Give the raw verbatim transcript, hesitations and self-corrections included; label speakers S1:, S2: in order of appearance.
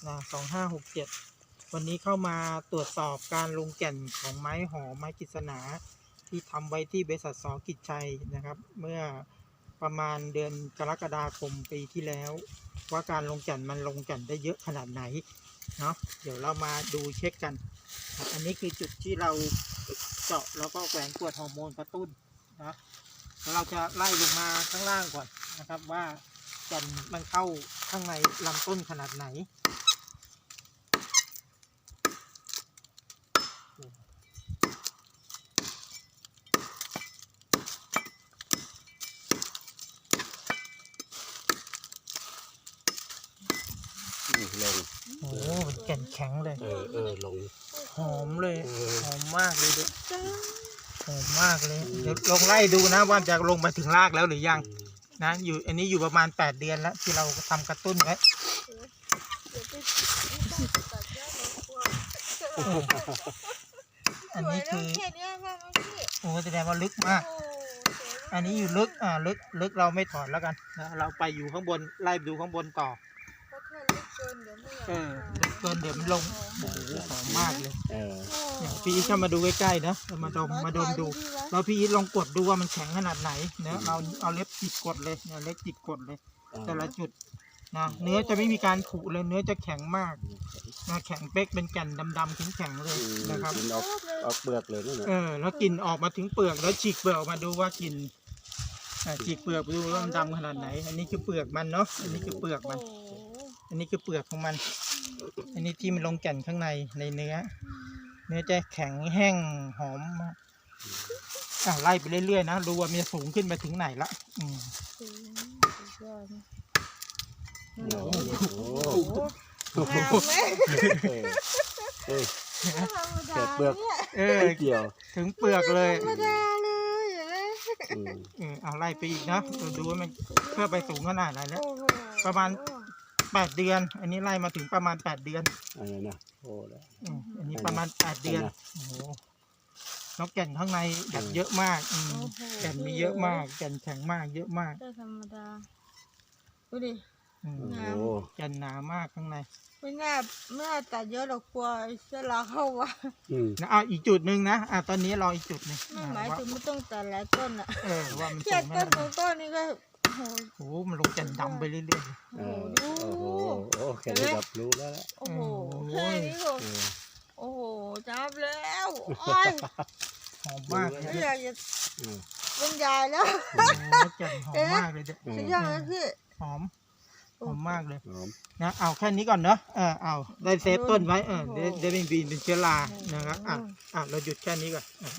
S1: นะสองห้าหกเจ็ดวันนี้เข้ามาตรวจสอบการลงแก่นของไม้หอมไม้กฤษณาที่ทำไว้ที่บริษัทสอกิจชัยนะครับเมื่อประมาณเดือนกรกฎาคมปีที่แล้วว่าการลงแก่นมันลงแก่นได้เยอะขนาดไหนเนาะเดี๋ยวเรามาดูเช็คกันอันนี้คือจุดที่เราเจาะแล้วก็แหวนกรวดฮอร์โมนกระตุ้นนะแล้วเราจะไล่ลงมาข้างล่างก่อนนะครับว่าแก่นมันเข้าข้างในลำต้นขนาดไหน
S2: ลง
S1: โอ้โหแก่นแข็งเลย
S2: เออเออลง
S1: หอมเลยหอมมากเลยเด็กหอมมากเลยเดี๋ยวลองไล่ดูนะว่าจะลงมาถึงรากแล้วหรือยังนะอยู่อันนี้อยู่ประมาณแปดเดือนแล้วที่เราทำกระตุ้นไว้อันนี้คือโอ้แสดงว่าลึกมากอันนี้อยู่ลึกอ่าลึกลึกเราไม่ถอดแล้วกันนะเราไปอยู่ข้างบนไล่ดูข้างบนต่อเออลึกเกินเดี๋ยวมันลงโอ้โหหอมมากเลย
S2: เออ
S1: เนี่ยพี่อีทเข้ามาดูใกล้ๆนะมาดมมาดมดูแล้วพี่อีทลองกดดูว่ามันแข็งขนาดไหนเนะเราเอาเล็บจิกกดเลยเนี่ยเล็บจิกกดเลยแต่ละจุดนะเนื้อจะไม่มีการผุเลยเนื้อจะแข็งมากนะแข็งเป๊กเป็นแก่นดำๆแข็งๆเลยนะครับ
S2: กินออกออกเปลือกเลยนั่นแหละ
S1: เออแล้วกลิ่นออกมาถึงเปลือกแล้วฉีกเปลือกออกมาดูว่ากลิ่นฉีกเปลือกดูว่ามันดำขนาดไหนอันนี้คือเปลือกมันเนาะอันนี้คือเปลือกมันอันนี้คือเปลือกของมันอันนี้ที่มันลงแก่นข้างในในเนื้อเนื้อจะแข็งแห้งหอมอ่ะไล่ไปเรื่อยๆนะดูว่ามันจะสูงขึ้นไปถึงไหนละอืม
S2: โอ้โห
S1: เ
S2: โอ้โหเออแค่เปลือก
S1: ออ
S2: เกี่ยว
S1: ถึงเปลือกเลย
S3: ธรรมดาเลย
S1: เออเอาไล่ไปอีกนะดูว่ามันเพื่อไปสูงขนาดไหนแล้วประมาณแปดเดือนอันนี้ไล่มาถึงประมาณแปดเดือน
S2: อะไรนะโอ้แล้ว
S1: อันนี้ประมาณแปดเดือนโอ้โหแล้วแก่นข้างในแบบเยอะมากแก่นมีเยอะมากแก่นแข็งมากเยอะมาก
S3: ธรรมดาดูดิ
S1: แก่นหนามากข้างใน
S3: ไม่น่าไม่น่าตัดเยอะหรอกกลัวเชื้อราเข้าวะ
S1: นะเอาอีกจุดหนึ่งนะอ่ะตอนนี้รออีกจุดหนึ่ง
S3: ไม่หมายถึงไม่ต้องตัดหลายต้นอ่ะ
S1: เออว่ามัน
S3: แค่ต้นสองต้นนี่ก็
S1: โอ้โหมันลงแก่นดำไปเรื่อย
S2: ๆโอ้โหโอ้แค่นี้แบบรู้แล้ว
S3: โอ้โหแค่นี้ก็โอ้โหจับแล้วโอ้ย
S1: หอมมาก
S3: ไม่อยากจะบรรยายแล้ว
S1: แก่นหอมมากเลยเด็ก
S3: สุดยอดเลยพี่
S1: หอมหอมมากเลยนะเอาแค่นี้ก่อนเนาะเออเอาได้เซฟต้นไว้เออได้ได้ไม่บีนเป็นเชื้อรานะครับอ่ะอ่ะเราหยุดแค่นี้ก่อน